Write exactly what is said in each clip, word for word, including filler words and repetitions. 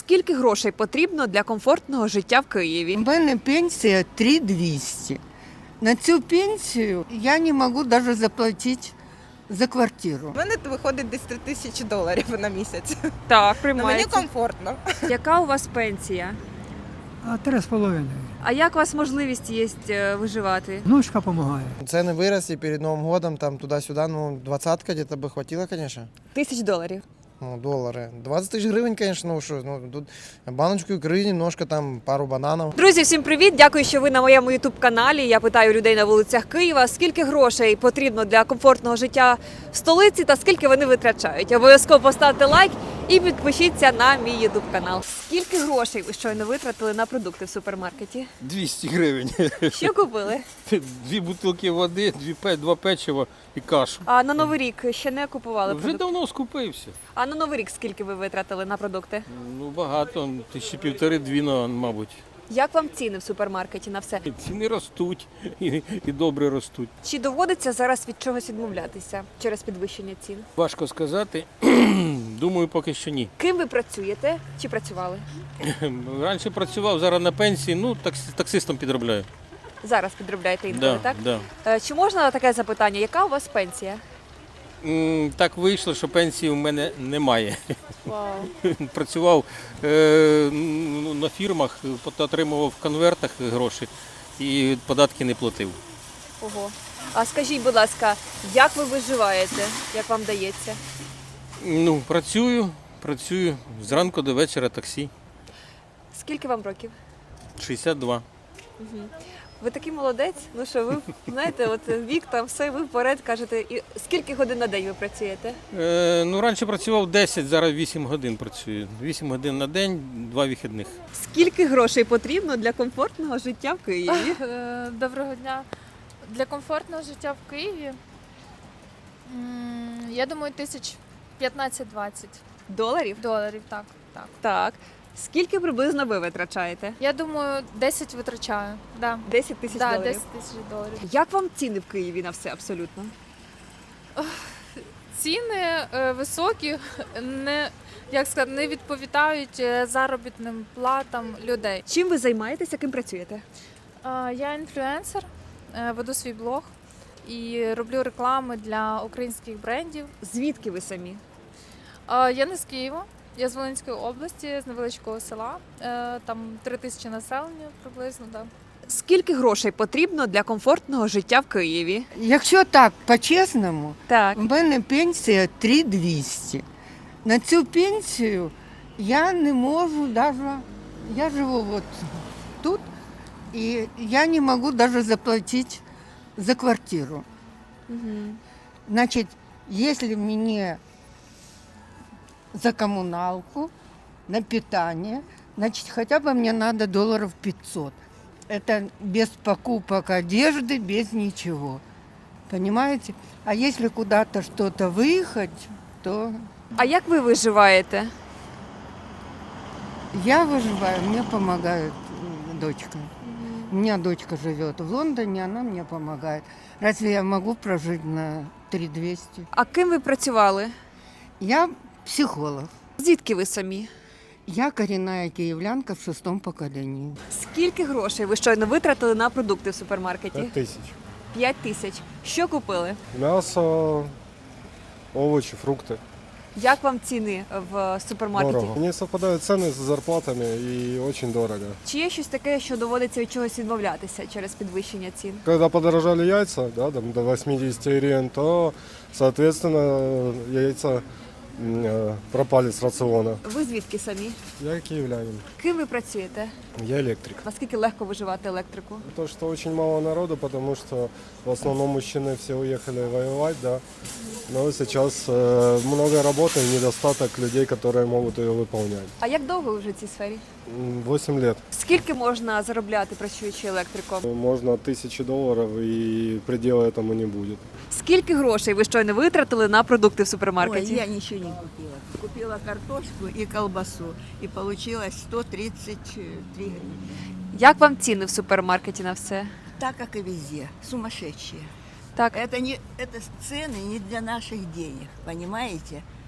Скільки грошей потрібно для комфортного життя в Києві? У мене пенсія три тисячі двісті. На цю пенсію я не можу навіть заплатити за квартиру. У мене виходить десь три тисячі доларів на місяць. Так, Ну, мені комфортно. Яка у вас пенсія? А три з половиною. А як у вас можливість є е, виживати? Внучка допомагає. Цены выросли перед Новым годом, там туда-сюда, ну, двадцатка где-то бы хватило, конечно. Тисяч доларів. Ну, доллары. двадцать тысяч гривен, конечно, ну что, ну, тут баночку икры, немножко там, пару бананов. Друзі, всім привіт! Дякую, що ви на моєму ютуб-каналі. Я питаю людей на вулицях Києва, скільки грошей потрібно для комфортного життя в столиці та скільки вони витрачають. Обов'язково поставте лайк і підпишіться на мій ютуб-канал. Скільки грошей ви щойно витратили на продукти в супермаркеті? двісті гривень. Що купили? Дві бутилки води, дві, пе- два печива і кашу. А на Новий рік ще не купували Вже продукти? давно скупився. А на Новий рік скільки ви витратили на продукти? Ну, багато, тисячі півтори-дві, ну, мабуть. Як вам ціни в супермаркеті на все? Ціни ростуть і, і добре ростуть. Чи доводиться зараз від чогось відмовлятися через підвищення цін? Важко сказати. Думаю, поки що ні. Ким ви працюєте чи працювали? Раніше працював, зараз на пенсії, ну, такс- таксистом підробляю. Зараз підробляєте інколи, Да, так? да. Е, Чи можна таке запитання? Яка у вас пенсія? М, Так вийшло, що пенсії у мене немає. Вау. Працював е, ну, на фірмах, отримував в конвертах гроші і податки не платив. Ого. А скажіть, будь ласка, як ви виживаєте? Як вам дається? Ну, працюю, працюю зранку до вечора таксі. Скільки вам років? шістдесят два. Ви такий молодець. Ну що, ви знаєте, от вік там все, ви вперед кажете. І скільки годин на день ви працюєте? Е, ну, раніше працював десять, зараз вісім годин працюю. вісім годин на день, два вихідних. Скільки грошей потрібно для комфортного життя в Києві? Е, Доброго дня. Для комфортного життя в Києві, м, я думаю, тисяч п'ятнадцять-двадцять Доларів? доларів. Так, так. Так. Скільки приблизно ви витрачаєте? Я думаю, десять витрачаю. Да. десять тисяч Да, доларів. десять тисяч доларів. Як вам ціни в Києві на все абсолютно? Ціни е, високі, не, як сказати, не відповідають е, заробітним платам людей. Чим ви займаєтеся, ким працюєте? Е, Я інфлюенсер, е, веду свій блог і роблю реклами для українських брендів. Звідки ви самі? А, Я не з Києва, я з Волинської області, з невеличкого села. Е, Там три тисячі населення приблизно. Да. Скільки грошей потрібно для комфортного життя в Києві? Якщо так, по-чесному, Так. у мене пенсія три тисячі двісті. На цю пенсію я не можу навіть, я живу от тут, і я не можу навіть заплатити за квартиру. Значит, если мне за коммуналку, на питание, значит, хотя бы мне надо долларов пятьсот. Это без покупок одежды, без ничего. Понимаете? А если куда-то что-то выехать, то А як ви виживаєте? я выживаю, мне помогает м, дочка. У меня дочка живет в Лондоне, она мне помогает. Разве я могу прожить на три тисячі двісті? А ким ви працювали? Я психолог. Звідки ви самі? Я коренная киевлянка в шестом поколении. Скільки грошей ви щойно витратили на продукти в супермаркеті? Пять тысяч. П'ять тисяч. Що купили? Мясо, овощи, фрукты. Як вам ціни в супермаркеті? Дорого. Не совпадают цены с зарплатами и очень дорого. Чи є щось таке, що доводиться від чогось відмовлятися через підвищення цін? Когда подорожали яйца, да, там, до восьмидесяти гривен, то, соответственно, яйца м, э, пропали с рациона. Ви звідки самі? Я киевлянин, Ким ви працюєте? я электрик. Наскільки легко виживати електрику? То, что очень мало народу, потому что в основном мужчины все уехали воевать, да. Но сейчас э, много работы и недостаток людей, которые могут ее выполнять. А як довго ви вже в цій сфері? М, Восемь лет. Скільки можна заробляти, працюючи електриком? Можно тысячи долларов, и предела этому не будет. Скільки грошей ви щойно витратили на продукти в Ой, супермаркеті? я ничего не купила. Купила картошку и колбасу. И получилось сто тридцать три гривны. Як вам ціни в супермаркеті на все? Так, как и везде. Сумасшедшие. Так. Это, не, это цены не для наших денег, понимаете?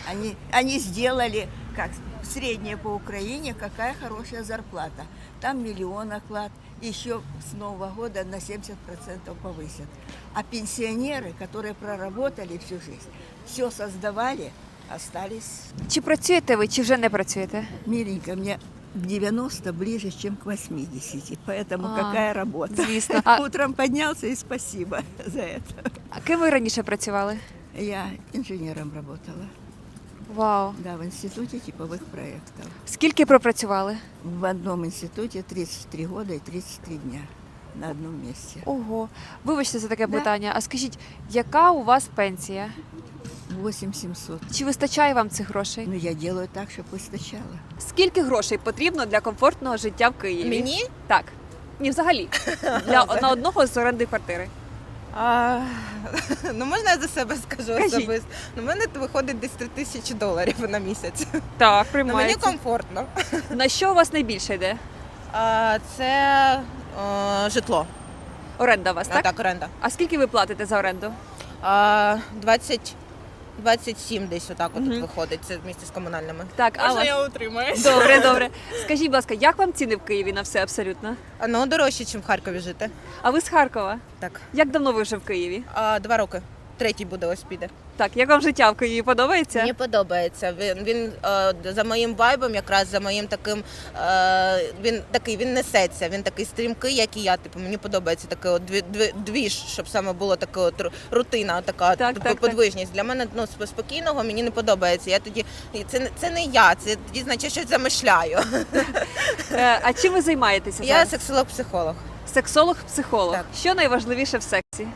Они, они сделали, как средняя по Украине, какая хорошая зарплата. Там миллион оклад, еще с Нового года на семьдесят процентов повысят. А пенсионеры, которые проработали всю жизнь, все создавали, остались. Чи працюєте ви, чи вже не працюєте? Миленько, мне к девяноста ближе, чем к восьмидесяти, поэтому А, какая работа. Звісно. А, Утром поднялся, и спасибо за это. а ким ви раніше працювали? Я инженером работала, Вау. да, в институте типовых проектов. Скільки пропрацювали? В одном институте тридцать три года и тридцать три дня на одном месте. Ого. Вибачте за таке Да. питання. А скажіть, яка у вас пенсія? восемь семьсот. Чи вистачає вам цих грошей? Ну, я делаю так, чтобы выстачало. Скільки грошей потрібно для комфортного життя в Києві? Мені? Так. Ні, взагалі. Для на одного з оренди квартири. А, ну можна я за себе скажу Кажіть. особисто. Ну, в мене виходить десь три тисячі доларів на місяць. Так, Ну, мені приймається. комфортно. На що у вас найбільше йде? А, це е, житло. Оренда у вас, А, так? так, оренда. А скільки ви платите за оренду? А, двадцять, двадцять сім десь отак от Мгм. виходить. Це вместе з комунальними. Так, а у вас? утримаюсь. Добре, добре. Скажіть, будь ласка, як вам ціни в Києві на все абсолютно? А, ну, дорожче, ніж в Харкові жити. А ви з Харкова? Так. Як давно ви вже в Києві? А, два роки. Третій буде ось піде. Так, як вам життя в Києві подобається? Мені подобається. Він він е, за моїм вайбом, якраз за моїм таким. Е, він такий, він несеться. Він такий стрімкий, як і я. Типу, мені подобається такий от дві, дві, двіж, щоб саме було така от ру- рутина, така Так, типу, так, так. подвижність. Для мене ну сп- спокійного мені не подобається. Я тоді це не- це не я, це тоді значить щось замишляю. Е, а чим ви займаєтеся Я зараз? сексолог-психолог. Сексолог-психолог. Так. Що найважливіше в сексі?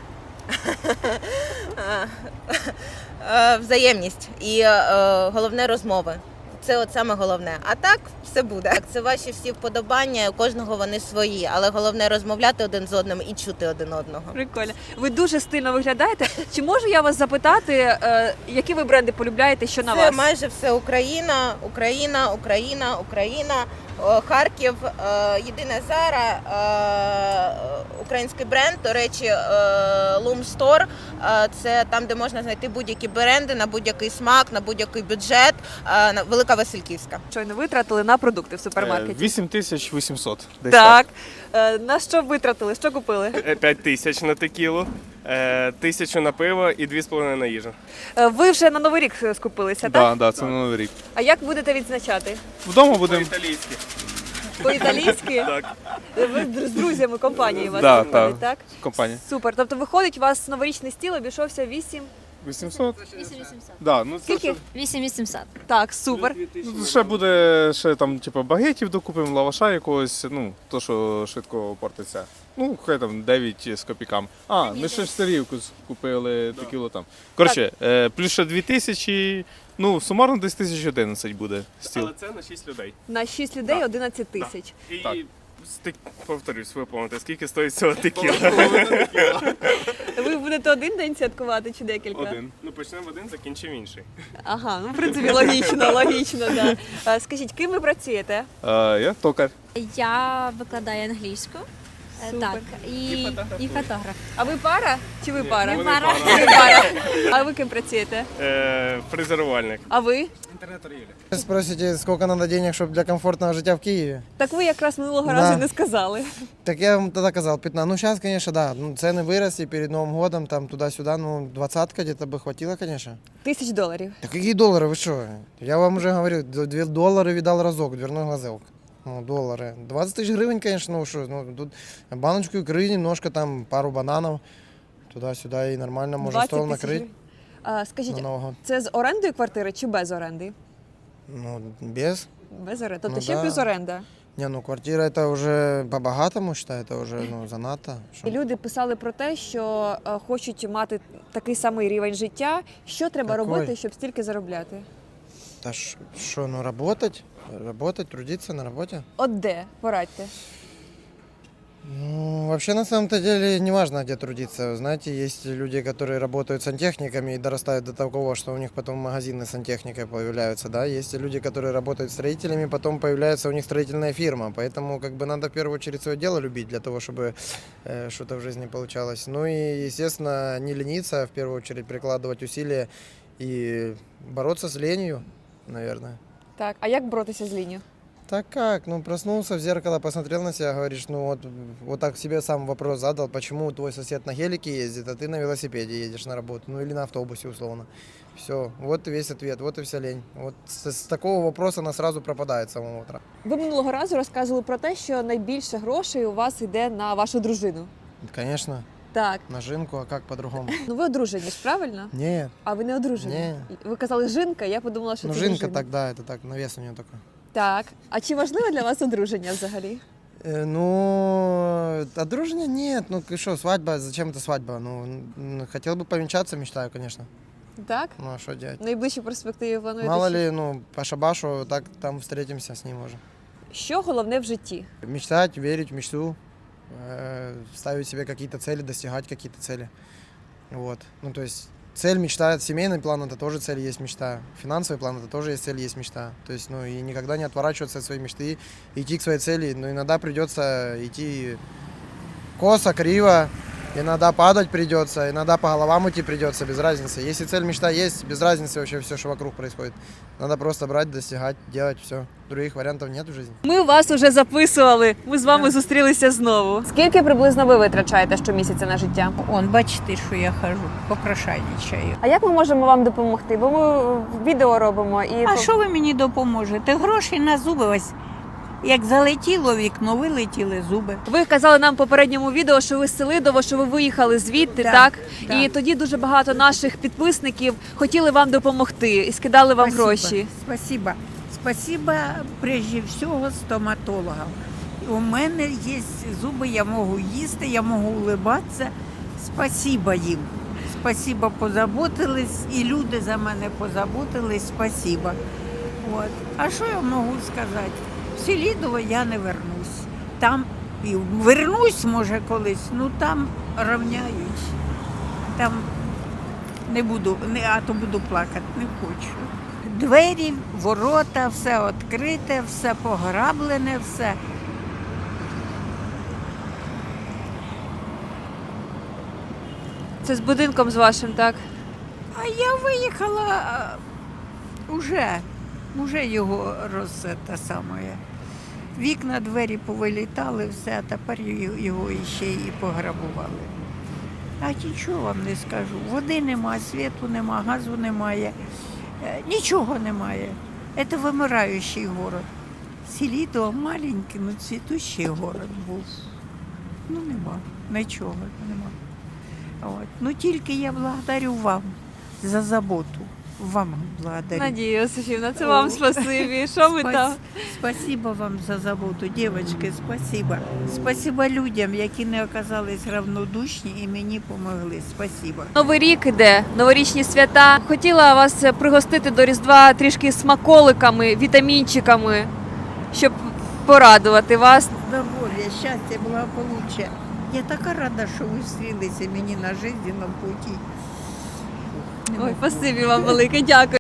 Е, е, Взаємність і е, головне розмови. Це от саме головне. А так все буде. Так, це ваші всі вподобання, у кожного вони свої, але головне розмовляти один з одним і чути один одного. Прикольно. Ви дуже стильно виглядаєте. Чи можу я вас запитати, е, які ви бренди полюбляєте, що на Це вас? майже все Україна, Україна, Україна, Україна, о, Харків, е, єдине Зара, е, український бренд, до речі, е, Loom Store, е, це там, де можна знайти будь-які бренди на будь-який смак, на будь-який бюджет, е, на- Велика Васильківська. Щойно витратили на продукти в супермаркеті. вісім тисяч вісімсот. Десь Так. Е, на що витратили? Що купили? так. п'ять тисяч на текілу, е, тисячу на пиво і дві з половиною на їжу. Е, ви вже на Новий рік скупилися, так? Так, да, це на Новий рік. А як будете відзначати? Вдома будемо. По-італійськи. По-італійськи? Так, Ви з друзями компанії у вас Да, виходить, так. так? компанія. Супер. Тобто виходить, у вас новорічний стіл обійшовся вісім. вісімсот? вісім вісімсот. Да, ну це Скільки? ще, вісім вісімсот. Так, супер. ну, ще буде ще там, типу, багетів докупимо, лаваша якогось, ну, то, що швидко портиться. Ну, хай там дев'ять з копійками. А, ми ще ж сирівку купили, текілу там. Коротше, е, плюс ще дві тисячі, ну, сумарно десь тисяч одинадцять буде стіл. Але це на шість людей. На шість людей Да. одинадцять тисяч. І, так. Стик, повторюсь, ви помните, скільки стоїть цього текіла? Ви будете один день святкувати чи декілька? Один. Ну, почнемо один, закінчимо інший. Ага, ну в принципі логічно, логічно, да. Е, Скажіть, ким ви працюєте? А, я токар. Я викладаю англійську. Е, Супер. Так, і, І фотографую. і фотограф. А ви пара? Чи ви пара? Ми пара. Ви пара. А ви ким працюєте? Е, фрезерувальник. А ви? Спросите, сколько надо денег, чтобы для комфортного життя в Киеве? Так ви якраз минулого Да. разу не сказали. Так я вам тогда сказал, пятнадцать. Ну, сейчас, конечно, да, ну, цены выросли перед Новым годом, там туда-сюда, ну, двадцатка где-то бы хватило, конечно. Тисяч доларів. Да какие доллары, вы что? Я вам уже говорю, две доллары видал разок, дверной глазок. Ну, доллары. двадцать тысяч гривен, конечно, ну что, ну, тут баночку икры, немножко там, пару бананов, туда-сюда, и нормально можно двадцять стол тисяч накрыть гривень. А, скажіть, на Новый год. це з орендою квартири чи без оренди? Ну, без. Без оренди. Тобто Ну, ще да. плюс оренда. Не, ну, квартира это уже по-богатому, считай, это уже, ну, занадто. Шо? І люди писали про те, що е, хочуть мати такий самий рівень життя. Що треба Какой? робити, щоб стільки заробляти? Да что, ну, работать, работать, трудиться на работе. От де? Порадьте. Ну, вообще, на самом-то деле, не важно, где трудиться. Знаете, есть люди, которые работают сантехниками и дорастают до такого, что у них потом магазины с сантехникой появляются, да. Есть люди, которые работают строителями, потом появляется у них строительная фирма. Поэтому, как бы, надо в первую очередь свое дело любить для того, чтобы э, что-то в жизни получалось. Ну и, естественно, не лениться, а в первую очередь прикладывать усилия и бороться с ленью, наверное. Так, а як боротися з лінію? Так как? Ну, проснулся в зеркало, посмотрел на себя, говоришь, ну вот, вот так себе сам вопрос задал, почему твой сосед на гелике ездит, а ты на велосипеде едешь на работу, ну или на автобусе условно. Все, вот и весь ответ, вот и вся лень. Вот с, с такого вопроса она сразу пропадает с самого утра. Ви минулого разу розказували про те, що найбільше грошей у вас йде на вашу дружину. Конечно, Так. на жинку, а как по-другому? Ну ви одружені ж, правильно? Нет, А ви не одружені? Ні. Ви казали жінка, я подумала, що ну це жинка дружина. так, да, это так, навес у нее такой. Так. А чи важливо для вас одруження взагалі? Э, Ну, одружения нет, ну и что, свадьба, зачем это свадьба? Ну, н- хотел бы повенчаться, мечтаю, конечно. Так? Ну, а что делать? В найближчій перспективі плануєте? Мало ще? ли, ну, по шабашу, так там встретимся с ним уже. Що головне в житті? Мечтать, верить в мечту, э, ставить себе какие-то цели, достигать какие-то цели. Вот. Ну, то есть цель, мечта, семейный план это тоже цель, есть мечта. Финансовый план это тоже есть цель, есть мечта. То есть, ну, и никогда не отворачиваться от своей мечты, идти к своей цели. Но иногда придется идти косо, криво, иногда падать придется, иногда по головам идти придется, без разницы. Если цель, мечта есть, без разницы вообще все, что вокруг происходит. Надо просто брать, достигать, делать все. Других вариантов нет в жизни. Ми вас уже записували. Ми з вами зустрілися знову. Скільки приблизно ви витрачаєте щомісяця на життя? Он, бачите, що я хожу, попрошайничаю. А як ми можемо вам допомогти? Бо ми відео робимо і А що ви мені допоможете? Гроші на зуби ось. Як залетіло вікно, вилетіли зуби. ви казали нам в попередньому відео, що ви з Селидово, що ви виїхали звідти, Да, так? да. І тоді дуже багато наших підписників хотіли вам допомогти і скидали вам Спасибо, гроші. Спасибо. Спасибо прежде всього стоматологам. У мене є зуби, я можу їсти, я можу улибатися. Спасибо їм. Спасибо, позаботились, і люди за мене позаботились. Спасибо. От. А що я можу сказати? В Селидово я не вернусь. Там і вернусь, може, колись, ну там рівняють. Там не буду, не, а то буду плакати, не хочу. Двері, ворота, все відкрите, все пограблене, все. Це з будинком з вашим, так? А я виїхала а, уже, уже його роз те саме. Вікна, двері повилітали, все, а тепер його, його ще і пограбували. А нічого вам не скажу. Води немає, світу немає, газу немає, е, нічого немає. Це вимираючий город. Селидово маленький, ну цвітущий город був. Ну нема, нічого нема. От. Ну тільки я благодарю вам за заботу. Вам благодарю. Надія Йосифівна, це О. вам спасибі. Що ви Спас- там? Спасибо вам за заботу, дівчатки, спасибо. Спасибо людям, які не оказались равнодушні і мені допомогли. Спасибо. Новий рік іде, новорічні свята. Хотіла вас пригостити до Різдва трішки смаколиками, вітамінчиками, щоб порадувати вас. Здоров'я, щастя, благополуччя. Я така рада, що ви зустрілися мені на життєвому путі. Ой, спасибі вам велике, дякую.